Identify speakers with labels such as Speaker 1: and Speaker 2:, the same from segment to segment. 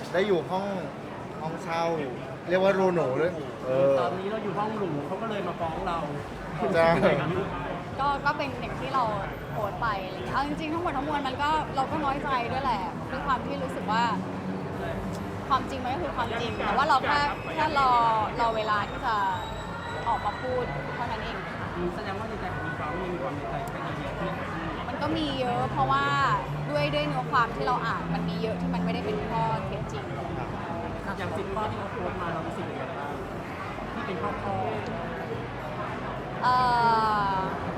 Speaker 1: ได้อยู่ห้องเช่า เรียกว่ารูหนูด้วย
Speaker 2: ตอนนี้เราอยู่ห้องหรูเขาก็เลยมาฟ้องเรา
Speaker 1: จ้า
Speaker 3: ก็เป็นอย่างที่เราโพสต์ไปอะไรอย่างเงี้ยเอาจริงๆทั้งหมดทั้งมวลมันก็เราก็น้อยใจด้วยแหละด้วยความที่รู้สึกว่าความจริงมันก็คือความจริงแต่ว่าเราแค่รอเวลาที่จะออกมาพูดเท่านั้นเอง
Speaker 2: แสดงว่าในใจของมีฟ้องยังมีความในใจเป็นเยอะที่
Speaker 3: มันก็มีเยอะเพราะว่าด้วยเนื้อความที่เราอ่านมันมีเยอะที่มันไม่ได้เป็นข้อเท็จจริง
Speaker 2: อย่าง10 ข้อที่เขาโพสต์มาเรารู้สึกยังไงบ้างที่เป็นข้อ
Speaker 3: เอ่อ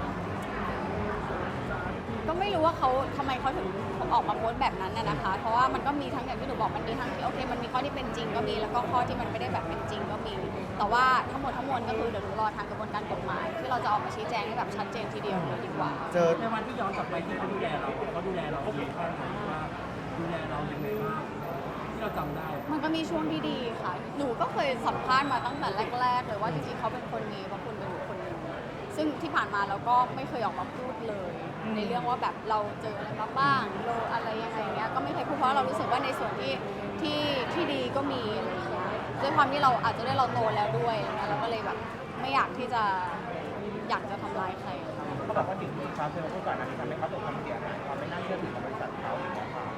Speaker 3: ก็ไม่รู้ว่าเขาทำไมเขาถึงออกมาโพสต์แบบนั้นน่ะนะคะ เพราะว่ามันก็มีทั้งอย่างที่หนูบอกมันมีทั้งที่โอเคมันมีข้อที่เป็นจริงก็มีแล้วก็ข้อที่มันไม่ได้แบบเป็นจริงก็มี แต่ว่าทั้งหมดทั้งมวลก็คือเดี๋ยวหนูรอทางกระบวนการกฎหมายที่เราจะออกมาชี้แจงให้แบบชัดเจนทีเดียวเลยดีกว่า
Speaker 1: เจอ
Speaker 2: ในวันที่ย้อนกลับไปที่เขาดูแลเราเขาดูแลเราดีแค่ไหนว่าดูแลเรายังไงบ้างที่เราจำได้
Speaker 3: มันก็มีช่วงที่ดีค่ะ หนูก็เคยสัมภาษณ์มาตั้งแต่แรกๆเลยว่าจริงๆเขาเป็นคนมีพระคุณเป็นบุคคลหนึ่งซึ่งที่ผ่านมาเราก็ไม่เคยออกมาพูดเลย ในเรื่องว่าแบบเราเจออะไรมาบ้างเราอะไรยังไงเงี้ยก็ไม่เคยพูดเพราะเรารู้สึกว่าในส่วนที่ดีก็มีอะไรอย่างเงี้ยด้วยความที่เราอาจจะได้เราโตแล้วด้วยอะไรเงี้ยเราก็เลยแบบไม่อยากที่จะอยากจะทำร้ายใคร
Speaker 4: เขาบอกว่าสิ่งที่เขาเคยพูดก่อนอันนี้ทำให้เขาตกความเสียหายความไม่น่าเชื่อถือของบริษัทเขาอย่างเงี้ยค่ะ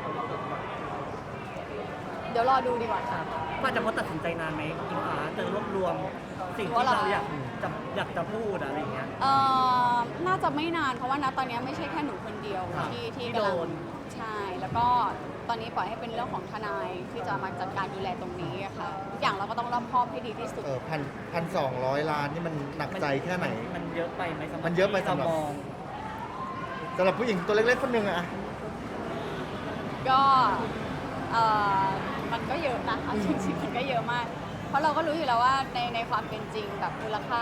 Speaker 3: เดี๋ยวรอดูดีกว่าค่ะ
Speaker 5: กว่าจะพอตัดสินใจนานไหมอิงฟ้าจะรวบรวมสิ่งที่เราอยากจะพูดอะไรอย่างเงี้ย
Speaker 3: น่าจะไม่นานเพราะว่าณตอนนี้ไม่ใช่แค่หนูคนเดียว
Speaker 5: ครับ
Speaker 3: ที่
Speaker 5: ที่
Speaker 3: กำลัง
Speaker 5: โดน
Speaker 3: ใช่แล้วก็ตอนนี้ปล่อยให้เป็นเรื่องของทนายที่จะมาจัดการดูแลตรงนี้อะค่ะทุกอย่างเราก็ต้องรอบคอบให้ดีที่สุด
Speaker 1: 1,200 ล้านนี่มันหนักใจแค่ไหน
Speaker 5: มันเยอะไปไหมสำหรับ
Speaker 1: มันเยอะไปสำหรับ
Speaker 5: ที่เรามอง
Speaker 1: สำหรับผู้หญิงตัวเล็กๆคนหนึ่งอะ
Speaker 3: ก็มันก็เยอะนะเอาจริงๆมันก็เยอะมาก เพราะเราก็รู้อยู่แล้วว่าในความเป็นจริงแบบมูลค่า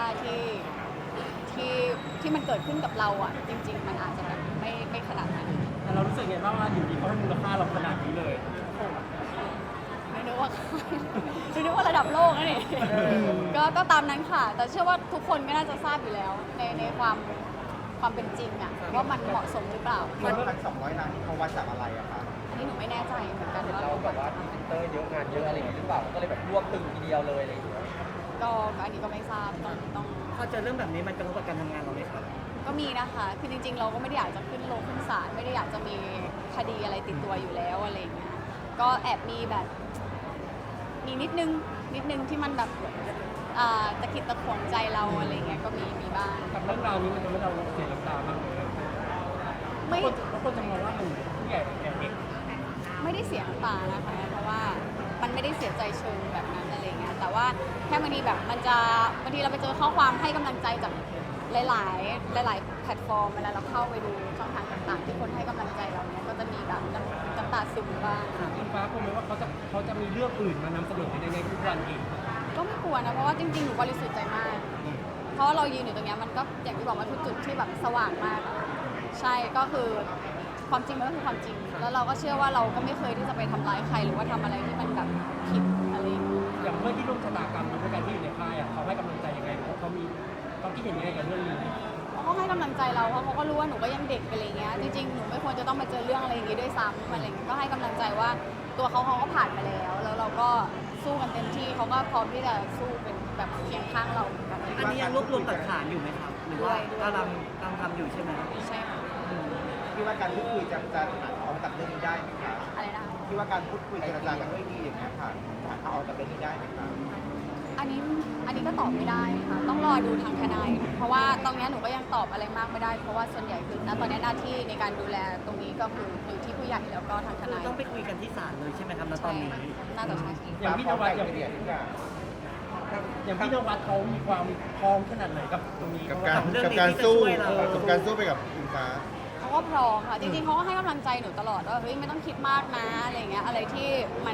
Speaker 3: ที่มันเกิดขึ้นกับเราอ่ะจริง ๆ มันอาจจะแบบไม่ขนาดนั้น
Speaker 2: แต่เรารู้สึกไงบ้างว่าอยู่ดีเขาให้มูลค่าเราขนาดนี้เลย
Speaker 3: ไม่นึกว่า ไม่นึกว่าระดับโลกนะนี่ก็ตามนั้นค่ะ แต่เชื่อว่าทุกคนก็น่าจะทราบอยู่แล้วในความเป็นจริงอ่ะว่ามันเหมาะสมหรือเปล่า
Speaker 4: 1,200 ล้านที่เขาวัดจากอะไรอะคะ
Speaker 3: อันนี้หนูไม่แน่ใจเหมือนกันว่า
Speaker 4: เราแบบว่าพรีเซนเตอร์เยอะงานเยอะอะไรอย่างเงี้ยหรือเปล่าก็เลยแบบรวบตึงทีเดียวเลยอะไรอย่างเงี้ย
Speaker 3: ก็อันนี้ก็ไม่ทราบต้อง
Speaker 5: พอเจอเรื่องแบบนี้มันกระทบกับการทำงานเราไหมครับ
Speaker 3: ก็มีนะคะ คือจริงๆ เราก็ไม่ได้อยากจะขึ้นศาลไม่ได้อยากจะมีคดีอะไรติดตัวอยู่แล้วอะไรอย่างเงี้ย ก็แอบมีแบบ มีนิดนึงที่มันแบบตะขิดตะขวงใจเราอะไรเงี้ย ก็มีบ้าง
Speaker 2: กับเรื่องราวนี้มันทำให้เราเสียน้ำตามากเลย
Speaker 3: ไม่
Speaker 2: เพราะคนจะมองว่าหนูผู้ใหญ่แก่เด็ก
Speaker 3: ไม่ได้เสียน้ำตานะคะ เพราะว่ามันไม่ได้เสียใจเชิงแบบนั้นอะไรเงี้ย แต่ว่าแค่บางทีแบบบางทีเราไปเจอข้อความให้กำลังใจจากหลายแพลตฟอร์มเวลาเราเข้าไปดูช่องทางต่างๆ ที่คนให้กำลังใจเราเนี่ยก็จะมีแบบน้ำตาซึมบ้าง
Speaker 2: อิงฟ้ากลัวไหมว่าเขาจะมีเรื่องอื่นมานำเสนอในทุกวันอีก
Speaker 3: ก็ไม่กลัวนะเพราะว่าจริงๆหนูบริสุทธิ์ใจมาก เพราะว่าเรายืนอยู่ตรงเนี้ยมันก็อย่างที่บอกว่าทุกจุดที่แบบสว่างมากอะใช่ก็คือความจริงมันก็คือความจริง แล้วเราก็เชื่อว่าเราก็ไม่เคยที่จะไปทำร้ายใครหรือว่าทำอะไรที่มันแบบผิดอะไรอย่างเงี้ย
Speaker 2: อย่างเพื่อนที่ร่วมชะตากรรมด้วยกันที่อยู่ในค่ายเขาให้กำลังใจยังไงเขาคิดเห็นยังไงกับเรื่องนี้
Speaker 3: เขาก็ให้กำลังใจเราเพราะเขาก็รู้ว่าหนูก็ยังเด็กอะไรเงี้ยจริงๆหนูไม่ควรจะต้องมาเจอเรื่องอะไรอย่างงี้ด้วยซ้ำอะไรอย่างเงี้ยก็ให้กำลังใจว่าตัวเขาก็ผ่านมาแล้วแล้วเราก็สู้กันเต็มที่เขาก็พร้อมที่จะสู้เป็นแบบเคียงข้างเราเหมือนกัน
Speaker 5: อันนี้ยังรวบรวมหลักฐานอยู่ไหมครับ หรือว่ากำลังทำอยู่ใช่ไหม
Speaker 3: ใช่ค่ะ
Speaker 4: คิดว่าการพูดคุยจะเอาจากเรื่องนี้ได้ไหมคะ
Speaker 3: อะไรนะคะ
Speaker 4: คิดว่าการพูดคุยเจรจากันด้วยดีอย่างเงี้ยค่ะเอาจากเรื่องนี้ได้ไหมคะ
Speaker 3: อันนี้ก็ตอบไม่ได้ค่ะต้องรอดูทางทนายเพราะว่าตรงเนี้ยหนูก็ยังตอบอะไรมากไม่ได้ เพราะว่าส่วนใหญ่คือณตอนนี้หน้าที่ในการดูแลตรงนี้ก็คืออยู่ที่ผู้ใหญ่แล้วก็ทางทนาย
Speaker 5: ต้องไปคุยกันที่ศาลเลยใช่ไหมครับณตอนนี้
Speaker 3: น่าจะใช่
Speaker 2: อย่างพี่นวัดอย่าง
Speaker 4: เดียทุกอย่าง
Speaker 2: พี่นวัดเขามีความพร้อมขนาดไหนกับตรงนี้
Speaker 1: กับ
Speaker 2: เพราะว่า
Speaker 5: เรื่อง
Speaker 1: กับ
Speaker 5: นี้
Speaker 1: การ
Speaker 5: ที่จะ
Speaker 1: สู้
Speaker 5: ช่วยเรา
Speaker 1: กับการสู้ไปกับอิงฟ้า
Speaker 3: เขาก็พร้อมค่ะจริงๆเขาก็ให้กำลังใจหนูตลอดว่าเฮ้ยไม่ต้องคิดมากนะอะไรเงี้ยอะไรที่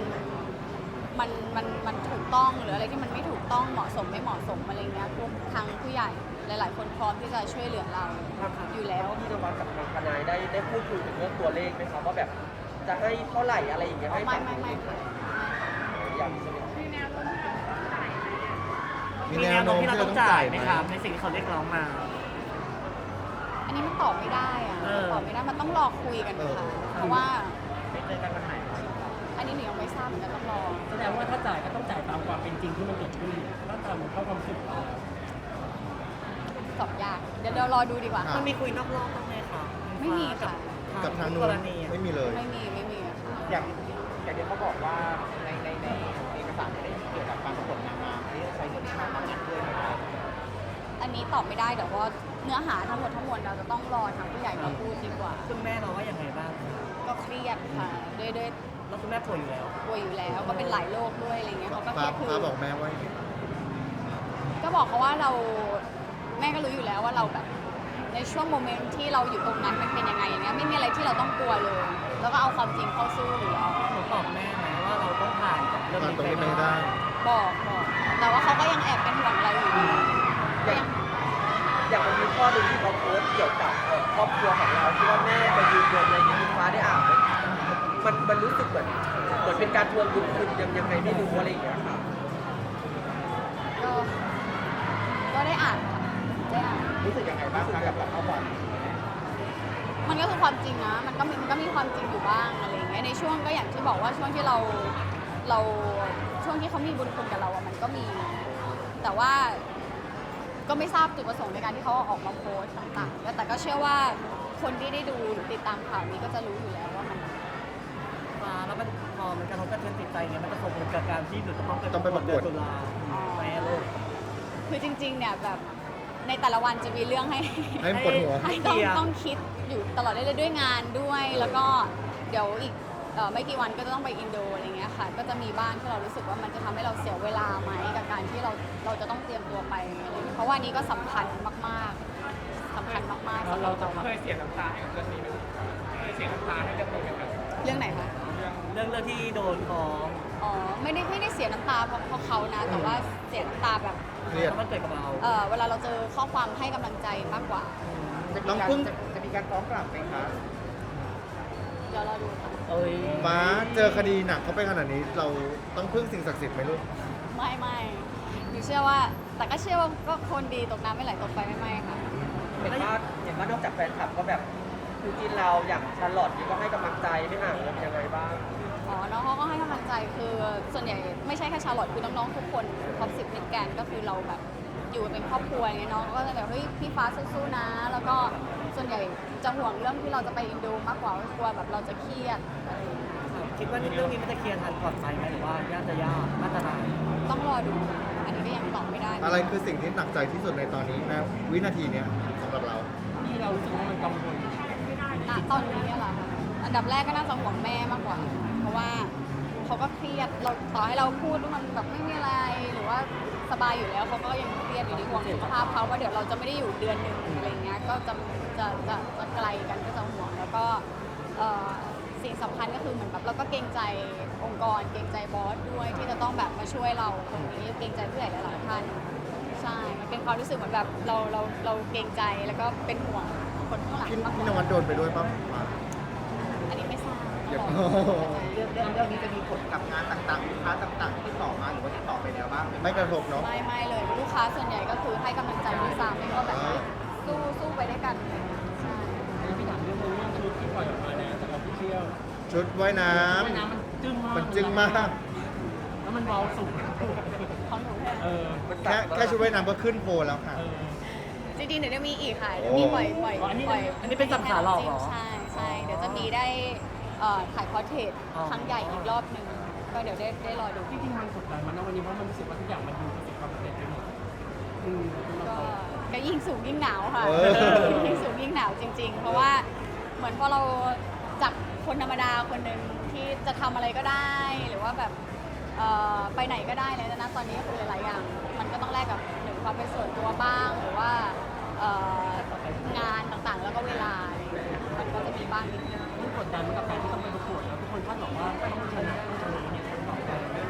Speaker 3: มันถูกต้องหรืออะไรที่มันไม่ถูกต้องเหมาะสมไม่เหมาะสมอะไรเงี้ยพวกทางผู้ใหญ่หลายๆคนพร้อมที่จะช่วยเหลือเราอยู่แล้ว
Speaker 4: พี่นวัดกับทางทนายได้พูดคุยถึงเรื่องตัวเลขไหมครับว่าแบบจะให้เท่าไหร่อะไรอย่างเงี้ยให้
Speaker 3: ไม่ค่ะ
Speaker 4: อย่างนี้ใช่ไหม
Speaker 5: มีแนวโน้มที่เราต้องจ่ายไหมครับในสิ่งที่เขาเรียกร้องมา
Speaker 3: อันนี้มันตอบไม่ได้อะ
Speaker 5: เออ
Speaker 3: ตอบไม่ได้มันต้องรอคุยกันค่ะเพราะว่า
Speaker 4: ไม่เจอกันวันไหน
Speaker 3: อันนี้หนูยังไม่ทราบราบเหมือนกันต้องรอ
Speaker 2: แสดงว่าถ้าจ่ายก็ต้องจ่ายตามความเป็นจริงที่มันเกิดขึ้นถ้าตามเข้าความรู้สึกเรา
Speaker 3: ตอบยากเดี๋ยวรอดูดีกว่า
Speaker 1: อ่ะ
Speaker 5: มันมีคุยนอกรอบบ้างไหมคะ
Speaker 3: ไม่มีค่ะ
Speaker 1: กับทางนู้
Speaker 5: ก
Speaker 1: น
Speaker 5: รณีอะ
Speaker 1: ไม่มีเลย
Speaker 3: ไม่มีค่ะ
Speaker 6: อย่างที่เขาบอกว่าในเอกสารไม่ได้เกี่ยวกับการประกวดนางงามที่ใช้เงินค่ามาเงินด้วยนะครับ
Speaker 3: อันนี้ตอบไม่ได้เดี๋ยวว่าเนื้อหาทั้งหมดเราจะต้องรอทางผู้ใหญ่มาพูดดีกว่า
Speaker 5: ซึ่งแม่เราว่ายังไงบ้าง
Speaker 3: ก็เครียดค่ะด้วย
Speaker 5: แล้วคุณแม่ป่วยอยู่แล้ว
Speaker 3: ป่วยอยู่แล้วก็เป็นหลายโรคด้วยอะไรเงี้ยเขาก็เค
Speaker 1: ฟ้า
Speaker 3: รียดคือ
Speaker 1: ฟ้าบอกแม่ว่า
Speaker 3: ก็บอกเขาว่าเราแม่ก็รู้อยู่แล้วว่าเราแบบในช่วงโมเมนต์ที่เราอยู่ตรงนั้นมันเป็นยังไงอย่างเงี้ยไม่มีอะไรที่เราต้องกลัวเลย แล้วก็เอาความจริงเข้าสู้อยู่แล้ว
Speaker 5: หนูบอกแม่ไหมว่าเราต้องผ่านกับเรื่อง
Speaker 1: ผ่าน
Speaker 5: นี้
Speaker 1: ตรงนี้
Speaker 5: ไป
Speaker 1: ไม่ได้
Speaker 3: บอกแต่ว่าเขาก็ยังแอบเป็นห่วงเราอยู่ดีก็ยัง
Speaker 4: อย่างมันมีข้อหนึ่งที่เขาโพสต์เกี่ยวกับครอบครัวของเราที่ว่าแม่ไปยืนยันอะไรอย่างเงี้ยคุณฟ้าได้อ่านไหมมันรู้สึกเหมือนเป็นการทวงบุญคุณยังไงไม่รู้อะไรอย่างเงี้ยค่ะ
Speaker 3: ก็ได้อ่านค่ะได้อ่าน
Speaker 6: รู้สึกยังไงบ้างคะกับข้อความ
Speaker 3: มันก็คือความจริงนะ มันก็มีความจริงอยู่บ้างอะไรอย่างเงี้ย ในช่วงก็อย่างที่บอกว่าช่วงที่เราช่วงที่เขามีบุญคุณกับเราอะมันก็มี แต่ว่าก็ไม่ทราบจุดประสงค์ในการที่เขาออกมาโพสต์ต่างๆ แต่ก็เชื่อว่าคนที่ได้ดูหรือติดตามข่าวนี้ก็จะรู้อยู่แล้วว่ามัน
Speaker 5: ฟ้าแล้วมันพอมันกระทบกระเทือนจิตใจเนี่ยมันจะส่งผลกับการที่หนูจะต้อง
Speaker 1: ต้องไปประกวด
Speaker 5: เอนตุลาแม่ลูก
Speaker 3: คือจริงๆ เนี่ยแบบในแต่ละวันจะมีเรื่องให้
Speaker 1: ให้ปวดหัว
Speaker 3: ให้ต้องคิดอยู่ตลอดเลยด้วยงานด้วย แล้วก็เดี๋ยวอีกไม่กี่วันก็จะต้องไปอินโดอะไรเงี้ยค่ะ ก็จะมีบ้างที่เรารู้สึกว่ามันจะทำให้เราเสียเวลาไหมกับการที่เราจะต้องเตรียมตัวไปอะไรเงี้ยเพราะว่านี้ก็สำคัญมากๆสำคัญมากๆสำหรับเรา
Speaker 6: เคยเสียน้ำตาให้กับเรื่องนี้ไหมเคยเสียน้ำตาให้กับเรื่องนี้ไหม
Speaker 3: เรื่องไหนคะ
Speaker 5: เรื่องที่โดนฟ้อง
Speaker 3: อ๋อไม่ได้เสียน้ำตาเพราะเขานะ แต่ว่าเสียน้ำตาแบบ
Speaker 1: เครียด
Speaker 5: แล้วมันเกิดกับเรา
Speaker 3: เวลาเราเจอข้อความให้กำลังใจมากกว่า
Speaker 1: น้องพึ่ง
Speaker 6: จะมีการฟ้องกลับไหมคะ
Speaker 3: เดี๋ยวเราดูค่ะ
Speaker 5: เอ้ย
Speaker 1: ฟ้าเจอคดีหนักเข้าไปขนาดนี้ เราต้องพึ่งสิ่งศักดิ์สิทธิ์ไหมลูก
Speaker 3: ไม่หนูเชื่อว่า แต่ก็เชื่อว่าก็คนดีตกน้ำไม่ไหลตกไฟไม่ค่ะ
Speaker 4: เห็นว่านอกจากแฟนคลับก็แบบคู่จิ้นเราอย่างชาร์ลอตนี่ก็ให้กำลังใจไม่ห่างกันยังไงบ้าง
Speaker 3: อ๋อ น้องเขาก็ให้กำลังใจ คือส่วนใหญ่ไม่ใช่แค่ชาร์ลอตคือน้องๆทุกคนท็อป10มิดแกรนด์ก็คือเราแบบอยู่เป็นครอบครัวอย่างเงี้ยน้องก็จะแบบเฮ้ยพี่ฟ้าสู้ๆนะ แล้วก็ส่วนใหญ่จะห่วงเรื่องที่เราจะไปอินโดมากกว่ากลัวแบบเราจะเครียดอะไรอย่างเงี้ย
Speaker 5: คิดว่าเรื่องนี้มันจะเคลียร์ทันก่อนไปไหมหรือว่ายากจะยากน่าจะนาน
Speaker 3: ต้องรอดู อันนี้ก็ยังตอบไม่ได้
Speaker 1: อะไรคือสิ่งที่หนักใจที่สุดในตอนนี้นะวินาทีเนี้ยสำหรับเรา
Speaker 2: ที่เรารู้สึกว่ามันกังวล
Speaker 3: ณตอนนี้เหรอคะอันดับแรกก็น่าจะห่วงแม่มากกว่า เพราะว่าเขาก็เครียดเราต่อให้เราพูดว่ามันแบบไม่มีอะไรหรือว่าสบายอยู่แล้วเขาก็ยังเครียดอยู่ดีห่วงสุขภาพเขาว่าเดี๋ยวเราจะไม่ได้อยู่เดือนหนึ่งอะไรเงี้ยก็จะไกลกันก็จะห่วงแล้วก็สิ่งสำคัญก็คือเหมือนแบบเราก็เกรงใจองค์กรเกรงใจบอสด้วยที่จะต้องแบบมาช่วยเราตรงนี้เกรงใจผู้ใหญ่หลายๆท่านใช่มันเป็นความรู้สึกเหมือนแบบเราเกรงใจแล้วก็เป็นห่วงคนข้างหลัง
Speaker 1: พี่
Speaker 3: มากก
Speaker 1: พี่น
Speaker 3: ว่า
Speaker 1: วัดโดนไปด้วยป่ะฟ้า
Speaker 3: อันนี้ไม่ทราบ
Speaker 1: เดี๋ยว
Speaker 3: ต้องรอ
Speaker 6: เรื่องนี้จะมีผลกับงานต่างๆลูกค้าต่างๆที่ติดต่อมาหรือว่าติดต่อไปแล้วบ้างไหม
Speaker 1: ไม่กระทบเนาะ
Speaker 3: ไม่เลยลูกค้าส่วนใหญ่ก็คือให้กำลังใจด้วยซ้ำก็แบบเฮ้ยสู้ไปด้วยกันใช่
Speaker 2: อันนี้พี่ถามเรื่องชุดที่ปล่อยออกมาเนี่ยจากออฟฟิเชียล
Speaker 1: ชุดว่ายน้
Speaker 2: ว่ายน้ำมันจึ้งมาก
Speaker 1: ำมันจึงมาก
Speaker 2: แล้วมันเบาสูง
Speaker 3: ของหนูแค่
Speaker 2: เออ
Speaker 1: แค่ชุดว่ายน้ำก็ขึ้นโพลแล้วค่ะ
Speaker 2: เออ
Speaker 3: จริงๆเดี๋ยวจะมีอีกค่ะเดี๋ยวมีปล่อย
Speaker 2: อันนี้
Speaker 5: อันนี้เป็นสัมขาหลอกเหรอ
Speaker 3: ใช่เดี๋ยวจะมีได้ถ่ายพอร์เทรต
Speaker 5: อ๋อ
Speaker 3: ครั้งใหญ่อีกรอบหนึ่งก็เดี๋ยวได้รอดู
Speaker 2: ที่จริงมันกดดันมันนะวันนี้เพราะมันรู้สึกว่าทุกอย่างมันดูประสบความสำเร็จไปหมด
Speaker 3: ก็ยิ่งสูงยิ่งหนาวค่ะ
Speaker 1: เออ
Speaker 3: ยิ่งสูงยิ่งหนาวจริง ๆ เพราะว่าเหมือนพอเราจากคนธรรมดาคนหนึ่งที่จะทำอะไรก็ได้ หรือว่าแบบไปไหนก็ได้เลยนะตอนนี้ก็คือหลายๆอย่าง มันก็ต้องแลกกับหนึ่งความเป็นส่วนตัวบ้างหรือว่างานต่างๆ แล้วก็เวลาอะไรอย่างเงี้ยมันก็จะมีบ้างนิดนึง
Speaker 2: มันกดดันกับการที่ต้องไปประกวดแล้วทุกคนคาดหวังว่าต้องชนะเนี่ยคนต่อไป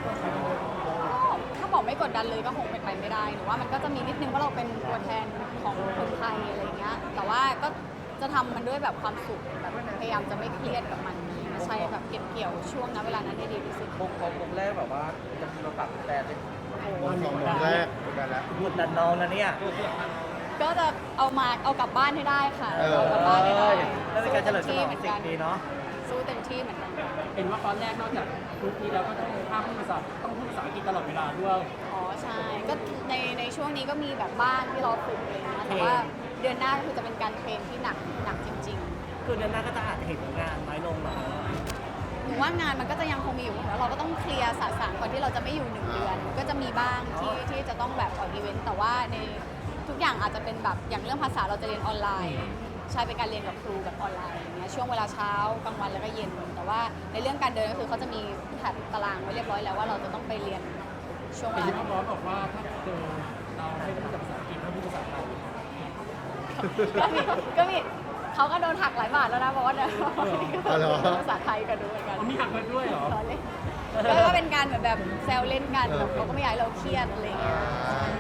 Speaker 3: ถ้าบอกไม่กดดันเลยก็คงเป็นไปไม่ได้หรือว่ามันก็จะมีนิดนึงว่าเราเป็นตัวแทนของคนไทยอะไรอย่างเงี้ยแต่ว่าก็จะทำมันด้วยแบบความสุขแบบพยายามจะไม่เครียดกับมันใช้แบบเก็บเกี่ยวช่วงนั้นเวลานั้นได้ดีที่สุด
Speaker 4: วงแรกแบบว่าจะมีมาปรับแต่เป็น
Speaker 1: วงสองวงแรกเหมือนกันแล้ว
Speaker 5: กดดันน้องนะเนี่ย
Speaker 3: ก็จะเอากลับบ้านให้ได้ค่ะ
Speaker 1: เออ
Speaker 3: เอากลับบ้านให้ได้
Speaker 5: แล้วเป็นการเฉลิมฉลอง
Speaker 3: เหมือน
Speaker 5: สิ่
Speaker 3: กั
Speaker 5: ง
Speaker 3: น
Speaker 5: นี้เนาะ
Speaker 3: สู้เต็มที่เหมือนกัน
Speaker 2: เห็นว่าตอนแรกนอกจากกรุ๊ปนี้แล้วก็ต้องห้ามพูดภาษาต้องพูดภาษาอังกฤษตลอดเวลาด้วย
Speaker 3: อ๋อใช่ก็ในช่วงนี้ก็มีแบบบ้านที่เราฝึกอะไรเลยนะแต่ว่าเดือนหน้าก็คือจะเป็นการเทรนที่หนักจริง
Speaker 5: คือเดือนหน้าก็จะอาจจะเห็นงานน้อยลงเหรอ
Speaker 3: ๆหนูว่างานมันก็จะยังคงมีอยู่แล้วเราก็ต้องเคลียร์สารก่อนที่เราจะไม่อยู่1 เดือนก็จะมีบ้างที่จะต้องแบบออกอีเวนต์แต่ว่าในทุกอย่างอาจจะเป็นแบบอย่างเรื่องภาษาเราจะเรียนออนไลน์ใช่เป็นการเรียนกับครูแบบออนไลน์อย่างเงี้ยช่วงเวลาเช้ากลางวันแล้วก็เย็น แต่ว่าในเรื่องการเดินก็คือเขาจะมีแผนตารางไว้เรียบร้อยแล้วว่าเราจะต้องไปเรียนช่วงเว
Speaker 2: แต่
Speaker 3: ลา
Speaker 2: ที่พ่อบอสบอกว่าถ้าเจอเราให้พูดภาษาอังกฤษให้พูดภาษาไทย
Speaker 3: ก็มีเขาก็โดนหักหลายบาทแล้วนะบอกว่าเดี๋ยว
Speaker 1: อ๋อเหรอ
Speaker 3: ภาษาไทยกันด้วยกัน
Speaker 2: เขามีหักเงินด้วยเหรอ
Speaker 3: ล้อเล่นก็เป็นการเหมือนแบบแซวเล่นกันแบบเขาก็ไม่อยากให้เราเครียดอะไรอย่างเงี้ย
Speaker 1: อ่า